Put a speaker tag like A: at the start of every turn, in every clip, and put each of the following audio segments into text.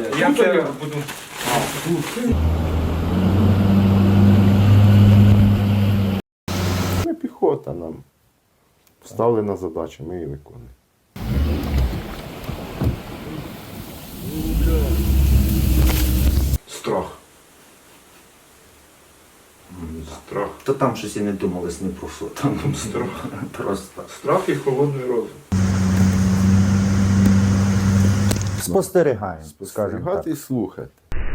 A: Я це буду.
B: Ми піхота, нам поставлена задача, ми її виконуємо. Страх. Страх.
C: То там щось і не думалось ні про що. Там
B: Страх.
C: просто.
B: Страх і холодний розум.
C: Спостерігаємо, скажімо
B: Спостерігати
C: так.
B: і слухати.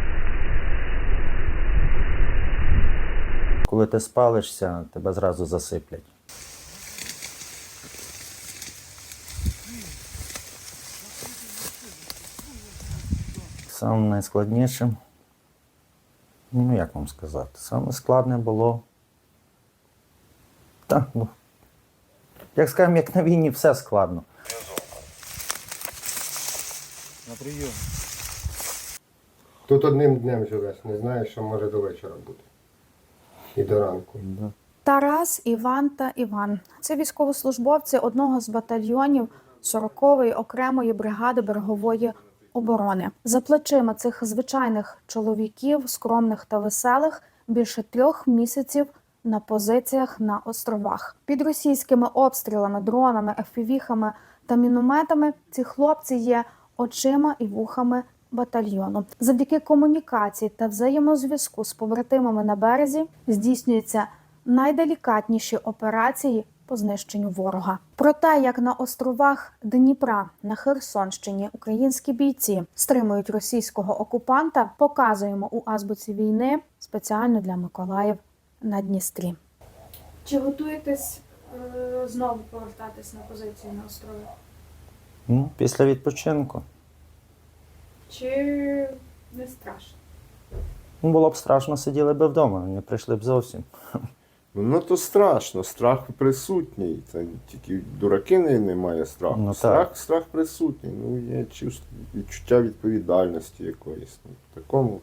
C: Коли ти спалишся, тебе зразу засиплять. Саме найскладніше, ну як вам сказати, саме складне було, так, ну, як скажемо, як на війні, все складно.
D: Тут одним днем живеш, не знаєш, що може до вечора бути. І до ранку.
E: Тарас, Іван та Іван – це військовослужбовці одного з батальйонів 40-ї окремої бригади берегової оборони. За плечима цих звичайних чоловіків, скромних та веселих, більше 3 місяців на позиціях на островах. Під російськими обстрілами, дронами, FPV-хами та мінометами ці хлопці є очима і вухами батальйону. Завдяки комунікації та взаємозв'язку з побратимами на березі здійснюються найделікатніші операції по знищенню ворога. Про те, як на островах Дніпра на Херсонщині українські бійці стримують російського окупанта, показуємо у азбуці війни спеціально для Миколаїв на Дністрі. Чи готуєтесь знову повертатись на позиції на острови?
C: Ну, після відпочинку.
E: Чи не страшно?
C: Ну, було б страшно, сиділи б вдома, не прийшли б зовсім.
B: Ну то страшно, страх присутній. Це тільки дураки не має страху.
C: Ну, так.
B: Страх присутній. Ну, є відчуття відповідальності якоїсь. Ну, в такому.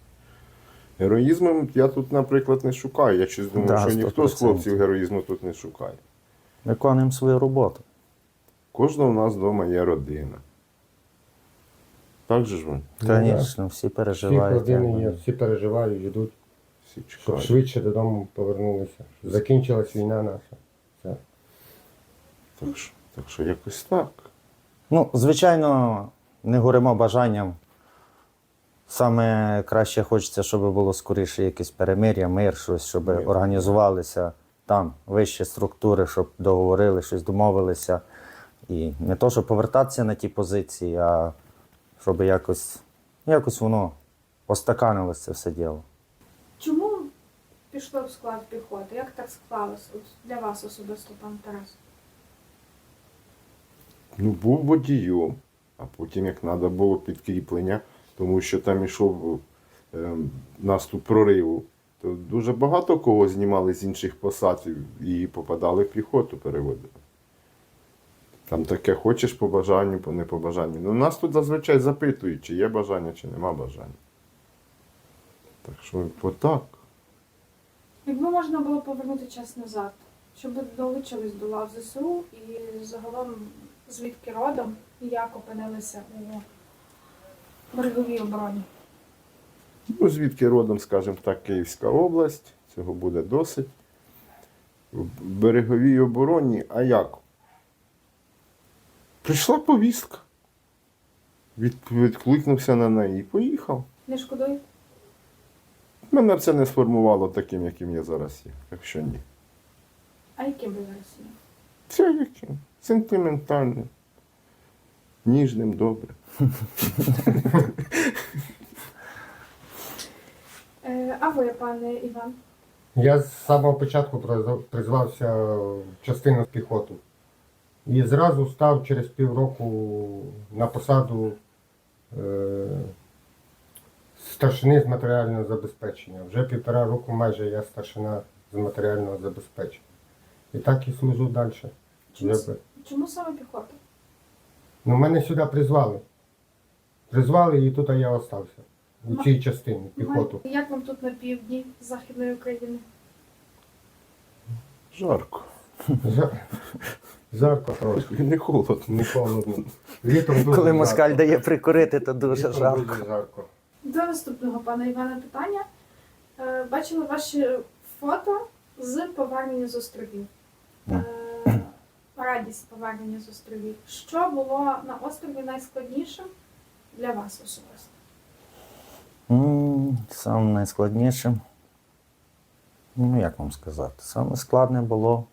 B: Героїзму я тут, наприклад, не шукаю. Я щось думаю,
C: Да,
B: що ніхто з
C: 100%.
B: хлопців героїзму тут не шукає.
C: Виконуємо свою роботу.
B: Кожного в нас вдома є родина. Так же ж вони?
C: Звісно, всі
D: Всі
C: переживають.
D: родини є, всі переживають, йдуть,
B: Всі
D: щоб
B: чекають.
D: швидше додому повернулися. Закінчилась війна наша. Все.
B: Так що якось так.
C: Ну, звичайно, не горимо бажанням. Саме краще хочеться, щоб було скоріше якесь перемир'я, мир, щось, щоб організувалися там вищі структури, щоб договорили, щось домовилися. І не то, щоб повертатися на ті позиції, а щоб якось воно остаканилось це все діло.
E: Чому пішло в склад піхоти? Як так склалося для вас особисто, пан Тарас?
B: Ну, був водієм, а потім, як треба було підкріплення, тому що там йшов наступ прориву, то дуже багато кого знімали з інших посад і попадали в піхоту, переводили. Там таке хочеш по бажанню, по не по бажанню. Ну, нас тут зазвичай запитують, чи є бажання, чи нема бажання. Так що отак.
E: Якби можна було повернути час назад, щоб долучились до лав ЗСУ і загалом звідки родом і як опинилися у береговій обороні?
B: Ну, звідки родом, скажімо так, Київська область, цього буде досить. В береговій обороні, а як? Прийшла повістка. Відкликнувся на неї і поїхав.
E: Не шкодуєте?
B: Мене це не сформувало таким, яким я зараз є. Так що ні.
E: А яким ви зараз є?
B: Це яким? Сентиментальним. Ніжним, добре.
E: А ви, пане Іван?
D: Я з самого початку призвався в частину піхоту. І зразу став через півроку на посаду старшини з матеріального забезпечення. Вже 1,5 року майже я старшина з матеріального забезпечення. І так і служу далі.
E: Чому саме піхота?
D: Ну, мене сюди призвали. Призвали і тут я остався. У цій частині піхоту.
E: Як вам тут на півдні Західної України?
B: Жарко.
D: Жарко трошки,
B: Не холодно.
D: не холодно. Літом дуже
C: Коли
D: жарко.
C: москаль дає прикурити, то дуже
D: Літом
C: жарко.
D: дуже жарко.
E: До наступного пана Івана питання. Бачили ваші фото з повернення з островів. Радість повернення з островів. Що було на острові найскладнішим для вас особисто?
C: Саме найскладніше. Ну, як вам сказати? Саме складне було.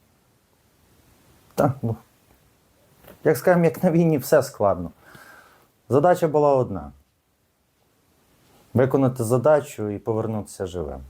C: Так, ну, як скажемо, як на війні, все складно. Задача була одна. Виконати задачу і повернутися живим.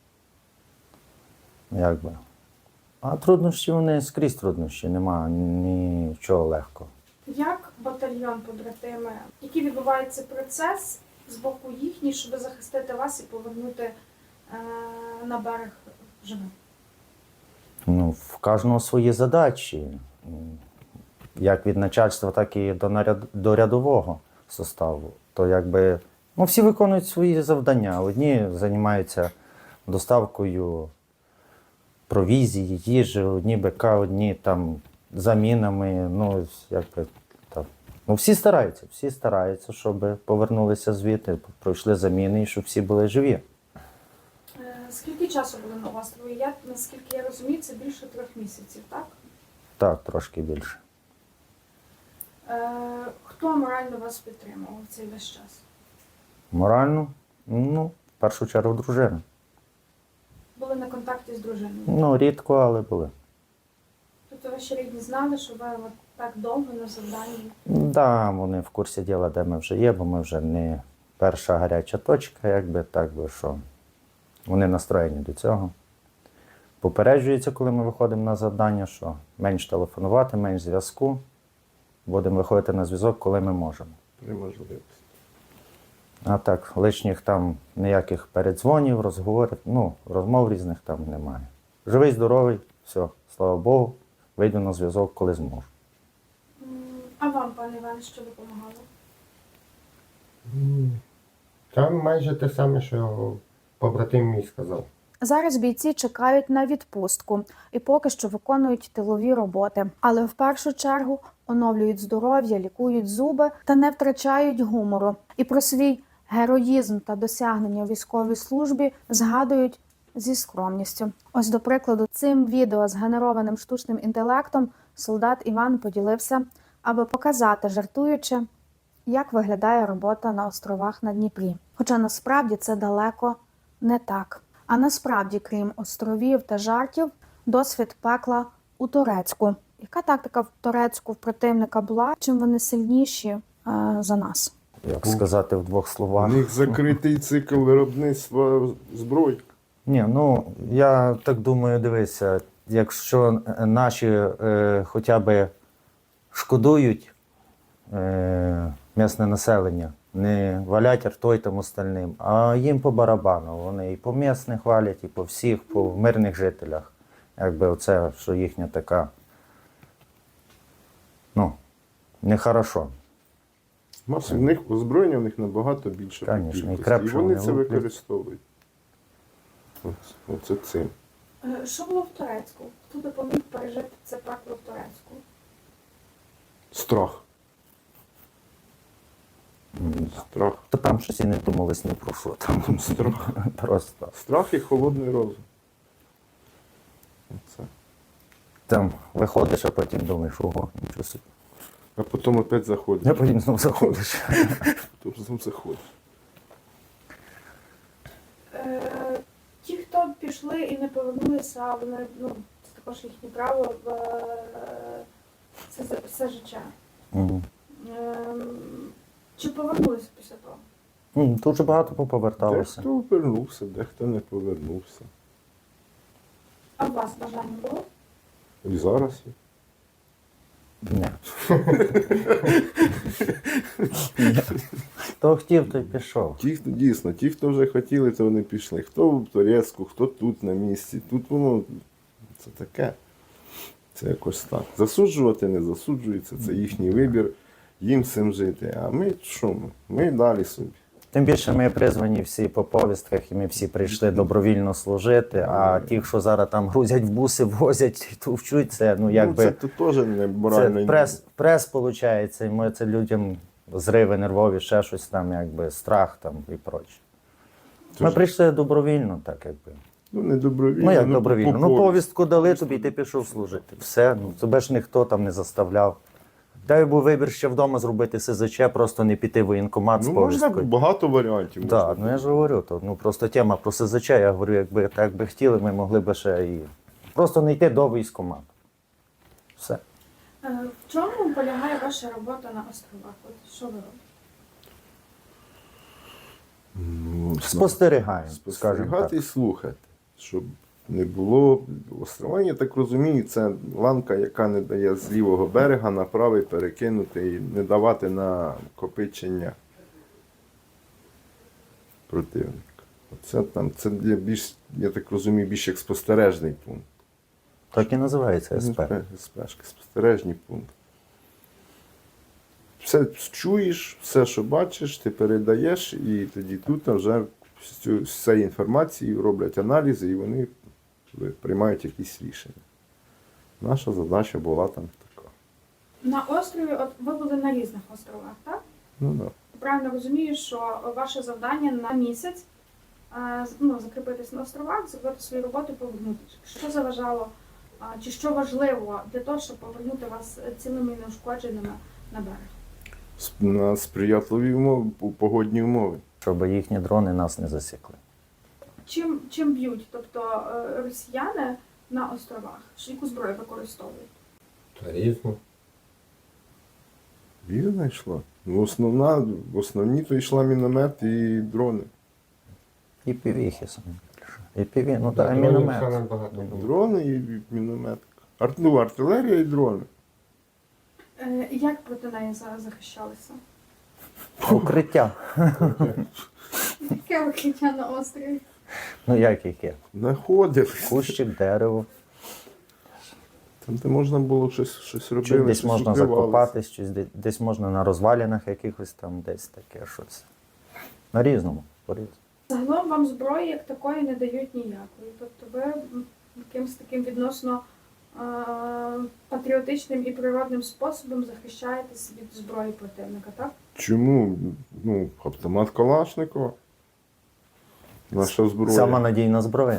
C: Якби. А труднощі вони скрізь труднощі, нема нічого легкого.
E: Як батальйон побратими, який відбувається процес з боку їхній, щоб захистити вас і повернути на берег живим?
C: Ну, в кожного свої задачі. Як від начальства, так і до рядового составу. То якби, ну, всі виконують свої завдання. Одні займаються доставкою провізії, їжі, одні БК, одні там замінами. Ну, якби, так. Ну, всі стараються, щоб повернулися звідти, пройшли заміни і щоб всі були живі.
E: Скільки часу були на острові? Наскільки я розумію, це більше 3 місяців, так?
C: Так, трошки більше.
E: Хто морально вас підтримував в цей весь час?
C: Морально, ну, в першу чергу, дружина.
E: Були на контакті з дружиною?
C: Ну, рідко, але були.
E: Тобто ваші рідні знали, що ви от так довго на завданні?
C: Да, вони в курсі діла, де ми вже є, бо ми вже не перша гаряча точка, якби так би що. Вони настроєні до цього. Попереджується, коли ми виходимо на завдання, що менш телефонувати, менш зв'язку. Будемо виходити на зв'язок, коли ми можемо.
B: При можливості.
C: А так, лишніх там ніяких передзвонів, розговорів, ну, розмов різних там немає. Живий, здоровий, все, слава Богу, вийду на зв'язок, коли зможу.
E: А вам, пане Іване, що допомагало?
D: Там майже те саме, що побратим мій сказав.
E: Зараз бійці чекають на відпустку і поки що виконують тилові роботи. Але в першу чергу оновлюють здоров'я, лікують зуби та не втрачають гумору. І про свій героїзм та досягнення у військовій службі згадують зі скромністю. Ось, до прикладу, цим відео з генерованим штучним інтелектом солдат Іван поділився, аби показати, жартуючи, як виглядає робота на островах на Дніпрі. Хоча насправді це далеко не так. А насправді, крім островів та жартів, досвід пекла у Турецьку. Яка тактика в Турецьку в противника була? Чим вони сильніші за нас?
C: Як сказати в 2
B: У
C: словах.
B: них закритий цикл виробництва зброї.
C: Ні, ну, я так думаю, дивися, якщо наші хоча б шкодують місне населення, не валять ртой там остальним, а їм по барабану. Вони і по місних валять, і по всіх, по мирних жителях. Якби оце, що їхня така, ну, нехорошо.
B: Маса в них озброєння в них набагато більше. по
C: Конечно, і
B: кількості.
C: крепше
B: вони
C: вони
B: це
C: луплять.
B: використовують. Оце цим.
E: Що було в Турецьку? Хто допоміг пережити це пекло в Турецьку?
B: Страх. Страх.
C: То там щось і не думалось ні про що. Там
B: Страх.
C: просто.
B: Страх і холодний розум. Оце.
C: Там виходиш, а потім думаєш, ого, нічого собі.
B: А потім опять заходиш.
C: А потім знову заходиш.
B: Потім знову заходиш.
E: Ті, хто пішли і не повернулися, вони, ну, це також їхнє право, це все життя.
C: Мгм.
E: Чи повернулися після того?
C: Дуже багато поповерталося.
B: Дехто повернувся, дехто не повернувся.
E: А у вас бажання було?
B: І зараз є.
C: Ні. Хто хотів, той пішов.
B: Ті, хто дійсно, ті, хто вже хотіли, то вони пішли. Хто в Турецьку, хто тут на місці. Тут воно це таке. Це якось так. Засуджувати не засуджується, це їхній вибір, їм цим жити. А ми що ми? Ми далі собі.
C: Тим більше ми призвані всі по повістках, і ми всі прийшли добровільно служити, а ті, що зараз там грузять в буси, возять, товчуть, це, ну, якби,
B: це теж не морально.
C: це прес виходить, і ми це людям зриви нервові, ще щось там, якби, страх там і проче. Ми
B: Тож-
C: прийшли добровільно, так, якби.
B: Ну, не добровільно.
C: Ну, як добровільно?
B: по
C: Ну,
B: повістці.
C: повістку дали тобі, і ти пішов служити. Все, ну, тебе ж ніхто там не заставляв. Дай був вибір ще вдома зробити СЗЧ, просто не піти в воєнкомат з
B: Ну, можна
C: повісткою.
B: багато варіантів.
C: Так,
B: можна.
C: ну я ж говорю, то, ну, просто тема про СЗЧ, я говорю, якби так би хотіли, ми могли би ще і просто не йти до військкомату. Все.
E: В чому полягає ваша робота на островах? От що ви робите?
B: Ну,
C: Спостерігаємо, скажімо
B: спостерігати
C: так.
B: і слухати, щоб не було острова. Я так розумію, це ланка, яка не дає з лівого берега на правий перекинути і не давати накопичення противника. Оце там, це для більш, я так розумію, більш як спостережний пункт.
C: Так і називається СП.
B: СПшки, спостережний пункт. Все чуєш, все, що бачиш, ти передаєш, і тоді тут вже з цієї інформації роблять аналізи, і вони приймають якісь рішення. Наша задача була там така.
E: На острові, от ви були на різних островах, так?
B: Ну, да.
E: Правильно розумію, що ваше завдання на місяць ну, закріпитись на островах, зробити свою роботу і повернутися. Що заважало, чи що важливо для того, щоб повернути вас цілими і неушкодженими на берег?
B: На сприятливі умови, погодні умови.
C: Щоб їхні дрони нас не засікли.
E: Чим б'ють? Тобто росіяни на островах? Яку зброю використовують?
D: Та різно.
B: Вірно йшла. Ну, в основні то йшла міномет і дрони.
C: І півіхи самі. І піві, ну
D: Так,
C: так,
D: дронів
C: міномет.
D: саме багато було.
B: Дрони і міномет. Ну, артилерія і дрони.
E: Як проти неї захищалися?
C: Укриття.
E: Яке укриття на острові?
C: Ну як яке?
B: Знаходились.
C: Кущик, дерево.
B: Там, де можна було щось
C: Чи
B: робити.
C: десь можна закопатись, чи десь можна на розвалінах якихось там десь таке щось. На різному, по-різному.
E: Загалом вам зброї як такої не дають ніякої. Тобто ви якимось таким відносно патріотичним і природним способом захищаєтесь від зброї противника, так?
B: Чому? Ну, автомат Калашникова. Наша зброя.
C: Сама надійна зброя.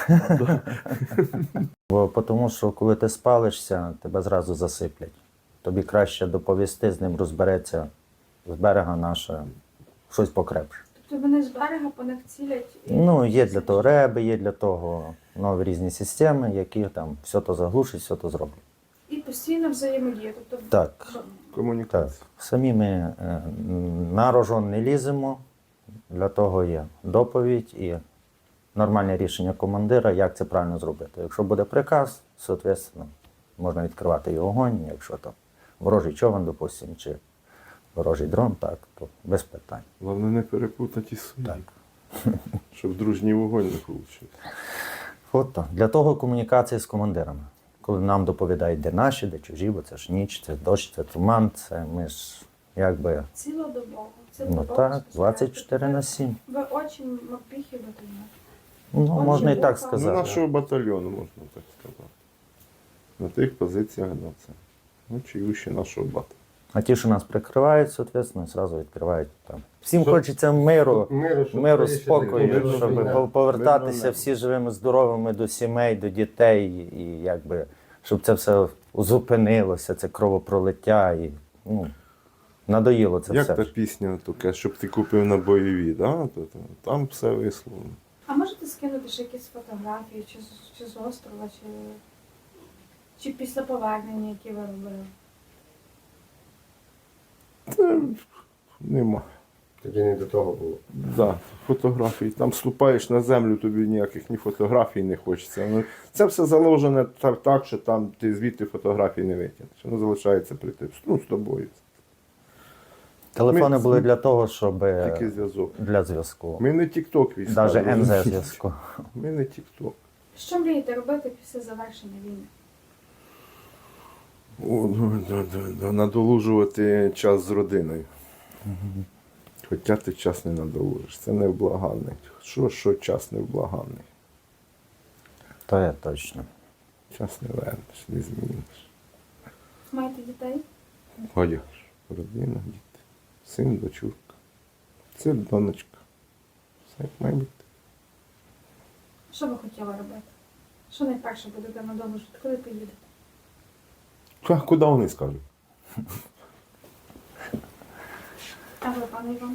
C: Бо тому що коли ти спалишся, тебе зразу засиплять. Тобі краще доповісти, з ним розбереться з берега наше щось покрепше.
E: Тобто вони з берега по них цілять і...
C: Ну, є для того реби, є для того нові різні системи, які там все то заглушать, все то зроблять.
E: І постійно взаємодія. Тобто
C: Так.
B: Комунікація.
C: Так, самі ми на рожон не ліземо, для того є доповідь і нормальне рішення командира, як це правильно зробити. Якщо буде приказ, соответственно, можна відкривати і огонь, якщо там ворожий човен, допустимо, чи ворожий дрон, так, то без питань.
B: Головне не перепутати свої.
C: Так.
B: Щоб дружній вогонь не вийшов.
C: От так. Для того комунікація з командирами. Коли нам доповідають, де наші, де чужі, бо це ж ніч, це дощ, це туман, це ми ж якби,
E: цілодобово.
C: ну так, 24/7.
E: Ви очі мапіхи батальйону.
C: Ну, можна і так
E: Ну,
B: Ну,
C: сказати.
B: нашого батальйону, можна так сказати. На тих позиціях, да, це. Ну, чиюші нашого батальйону.
C: А ті, що нас прикривають, соответственно, одразу відкривають там. Всім хочеться миру, миру,
D: скоріше
C: спокою,
D: закінчилася
C: щоб
D: війна.
C: повертатися
B: Мирно
C: всі живими, здоровими до сімей, до дітей, і якби, щоб це все зупинилося, це кровопролиття, і ну, надоїло це
B: Як
C: все.
B: та пісня така, щоб ти купив на бойові, да? Там все висловлено.
E: А можете скинути ще якісь фотографії, чи з острова, чи після повернення, які ви робили?
B: Нема.
D: Тоді не до того було.
B: Да, фотографії. Там ступаєш на землю, тобі ніяких ні фотографій не хочеться. Ну, це все заложене так, що там ти звідти фотографій не витягнеш. Воно залишається при тебе. Ну, з тобою.
C: Телефони
B: Ми-
C: були для того, щоб
B: Такий зв'язок.
C: для зв'язку.
B: Ми не тік-ток війська.
C: Навіть МЗ
B: розумієш?
C: зв'язку.
B: Ми не тік-ток.
E: Що мрієте робити після завершення війни?
B: Надолужувати час з родиною. Хоча ти час не надолужиш. Це невблаганний. Що час невблаганний.
C: То є точно.
B: Час не вернеш, не зміниш.
E: Маєте дітей?
B: Ходиш, родина, діти. Син, дочурка. Це донечка. Все як має бути.
E: Що ви хотіли робити? Що найперше будете надовжити? Коли поїдете?
B: А куди вони скажуть?
E: А ви, пане Іван?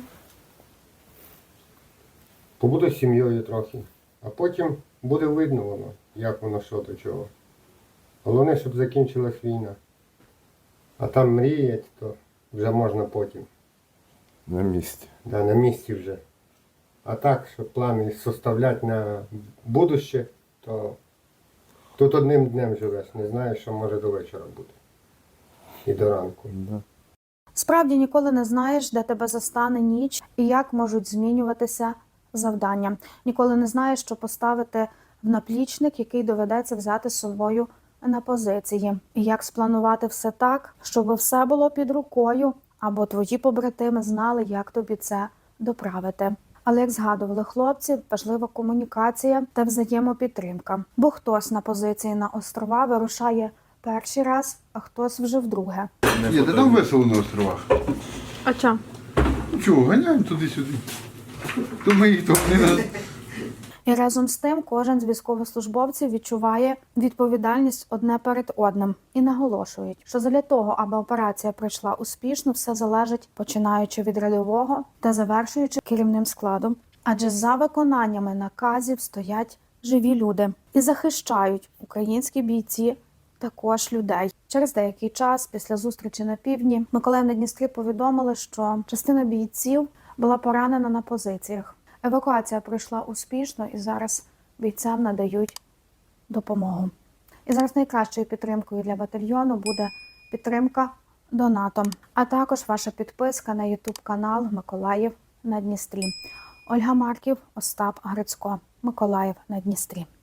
D: Побуду з сім'єю трохи, а потім буде видно воно, як воно що до чого. Головне, щоб закінчилась війна. А там мріять, то вже можна потім.
B: На місці.
D: Да, на місці вже. А так, щоб плани составляти на будуще, то тут одним днем живеш, не знаєш, що може до вечора бути. І до ранку.
B: Да.
E: Справді ніколи не знаєш, де тебе застане ніч і як можуть змінюватися завдання. Ніколи не знаєш, що поставити в наплічник, який доведеться взяти з собою на позиції. І як спланувати все так, щоб все було під рукою, або твої побратими знали, як тобі це доправити. Але, як згадували хлопці, важлива комунікація та взаємопідтримка. Бо хтось на позиції на острова вирушає перший раз, а хтось вже вдруге.
A: Ні, та там весело на островах.
E: А чому?
A: Чого, ганяємо туди-сюди. То ми їх то не раз.
E: І разом з тим кожен з військовослужбовців відчуває відповідальність одне перед одним і наголошують, що задля того, аби операція пройшла успішно, все залежить починаючи від рядового та завершуючи керівним складом. Адже за виконаннями наказів стоять живі люди і захищають українські бійці також людей. Через деякий час після зустрічі на півдні Миколаїв на Дністрі повідомили, що частина бійців була поранена на позиціях. Евакуація пройшла успішно і зараз бійцям надають допомогу. І зараз найкращою підтримкою для батальйону буде підтримка донатом, а також ваша підписка на YouTube-канал Миколаїв на Дністрі. Ольга Марків, Остап Грицько. Миколаїв на Дністрі.